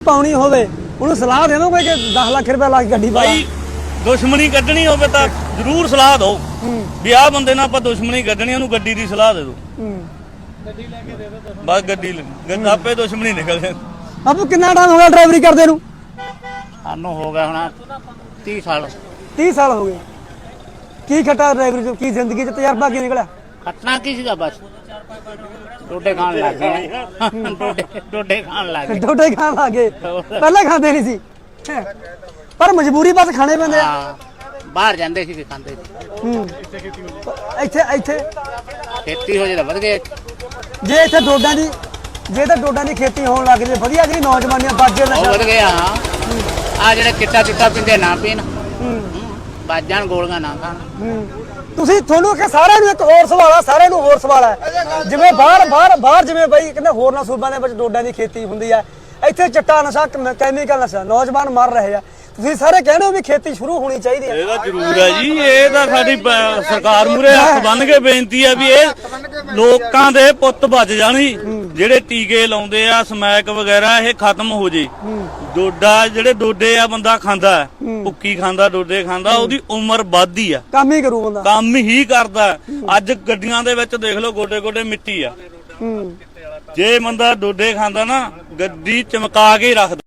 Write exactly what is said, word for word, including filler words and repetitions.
ਪਾਉਣੀ ਹੋਵੇ ਉਹਨੂੰ ਸਲਾਹ ਦੇ ਦੋਗੇ ਕਿ ਦਸ ਲੱਖ ਰੁਪਏ ਲਾ ਕੇ ਗੱਡੀ ਪਾ ਭਾਈ ਦੁਸ਼ਮਣੀ ਕੱਢਣੀ ਹੋਵੇ ਤਾਂ ਜ਼ਰੂਰ ਸਲਾਹ ਦਿਓ ਵੀ ਆਹ ਬੰਦੇ ਨਾਲ ਆਪਾਂ ਦੁਸ਼ਮਣੀ ਕੱਢਣੀ ਉਹਨੂੰ ਗੱਡੀ ਦੀ ਸਲਾਹ ਦੇ ਦਿਓ ਗੱਡੀ ਲੈ ਕੇ ਦੇ ਦਿਓ ਬਸ ਗੱਡੀ ਗੱਡੀ ਆਪੇ ਦੁਸ਼ਮਣੀ ਨਿਕਲ ਜਾਏ। ਆਪੂ ਕਿੰਨਾ ਟਾਈਮ ਹੋ ਗਿਆ ਡਰਾਈਵਰੀ ਕਰਦੇ ਨੂੰ? ਸਾਨੂੰ ਹੋ ਗਿਆ ਹੁਣ ਤੀਹ ਸਾਲ ਤੀਹ ਸਾਲ ਹੋ ਗਏ। ਕੀ ਖੱਟਾ ਡਰਾਈਵਰੀ ਚ, ਕੀ ਜ਼ਿੰਦਗੀ ਚ ਤਜਰਬਾ ਕੀ ਨਿਕਲਿਆ? ਖੱਟਣਾ ਕੀ ਸੀਗਾ ਬਸ ਡੋਡੇ ਖਾਣ ਲੱਗ ਗਏ ਡੋਡੇ ਡੋਡੇ ਖਾਣ ਲੱਗ ਗਏ ਡੋਡੇ ਖਾਣ ਲੱਗੇ ਪਹਿਲਾਂ ਖਾਂਦੇ ਨਹੀਂ ਸੀ ਪਰ ਮਜਬੂਰੀ ਬਸ ਖਾਣੇ ਪੈਂਦੇ ਆ। ਹਾਂ ਬਾਹਰ ਜਾਂਦੇ ਸੀ ਕਿ ਖਾਂਦੇ ਸੀ ਹੂੰ ਇੱਥੇ ਇੱਥੇ ਖੇਤੀ ਹੋ ਜੇ ਤਾਂ ਵਧ ਗਏ ਜੇ ਇੱਥੇ ਡੋਡਾਂ ਦੀ ਜੇ ਤਾਂ ਡੋਡਾਂ ਦੀ ਖੇਤੀ ਹੋਣ ਲੱਗ ਜੇ ਵਧੀਆ ਜਿਹੜੀ ਨੌਜਵਾਨੀਆਂ ਬਾਜੇ ਉਹ ਨਸ਼ਾ ਵਧ ਗਿਆ ਹਾਂ ਆ ਜਿਹੜੇ ਚਿੱਟਾ ਚਿੱਟਾ ਪੀਂਦੇ ਨਾ ਪੀਣ ਬਾਜਾਂ ਗੋਲੀਆਂ ਨਾ ਖਾਣ ਹੂੰ ਤੁਸੀਂ ਤੁਹਾਨੂੰ ਕਿ ਸਾਰਿਆਂ ਨੂੰ ਇੱਕ ਹੋਰ ਸਵਾਲ ਆ ਸਾਰਿਆਂ ਨੂੰ ਹੋਰ ਸਵਾਲ ਹੈ ਜਿਵੇਂ ਬਾਹਰ ਬਾਹਰ ਬਾਹਰ ਜਿਵੇਂ ਬਾਈ ਕਹਿੰਦੇ ਹੋਰਨਾਂ ਸੂਬਾਂ ਦੇ ਵਿੱਚ ਡੋਡਾਂ ਦੀ ਖੇਤੀ ਹੁੰਦੀ ਆ ਇੱਥੇ ਚਿੱਟਾ ਨਸ਼ਾ ਕੈਮੀਕਲ ਨਸ਼ਾ ਨੌਜਵਾਨ ਮਰ ਰਹੇ ਆ ਤੁਸੀਂ ਸਾਰੇ ਕਹਿੰਦੇ ਹੋ ਵੀ ਖੇਤੀ ਸ਼ੁਰੂ ਹੋਣੀ ਚਾਹੀਦੀ ਹੈ। ਇਹ ਤਾਂ ਜ਼ਰੂਰ ਹੈ ਜੀ ਇਹ ਤਾਂ ਸਾਡੀ ਪ- ਸਰਕਾਰ ਮੂਰੇ ਹੱਥ ਬੰਨ ਕੇ ਬੇਨਤੀ ਹੈ ਵੀ ਇਹ ਲੋਕਾਂ ਦੇ ਪੁੱਤ ਬਚ ਜਾਣ ਜੀ ਜਿਹੜੇ ਟੀਕੇ ਲਾਉਂਦੇ ਆ ਸਮੈਕ ਵਗੈਰਾ ਇਹ ਖਤਮ ਹੋ ਜੇ। ਡੋਡਾ ਜਿਹੜੇ ਡੋਡੇ ਆ ਬੰਦਾ ਖਾਂਦਾ ਭੁੱਕੀ ਖਾਂਦਾ ਡੋਡੇ ਖਾਂਦਾ ਉਹਦੀ ਉਮਰ ਵੱਧਦੀ ਆ ਕੰਮ ਹੀ ਕਰੂ ਬੰਦਾ ਕੰਮ ਹੀ ਕਰਦਾ। ਅੱਜ ਗੱਡੀਆਂ ਦੇ ਵਿੱਚ ਦੇਖ ਲਓ ਗੋਡੇ ਗੋਡੇ ਮਿੱਟੀ ਆ ਹੂੰ ਜੇ ਬੰਦਾ ਡੋਡੇ ਖਾਂਦਾ ਨਾ ਗੱਡੀ ਚਮਕਾ ਕੇ ਹੀ ਰੱਖਦਾ।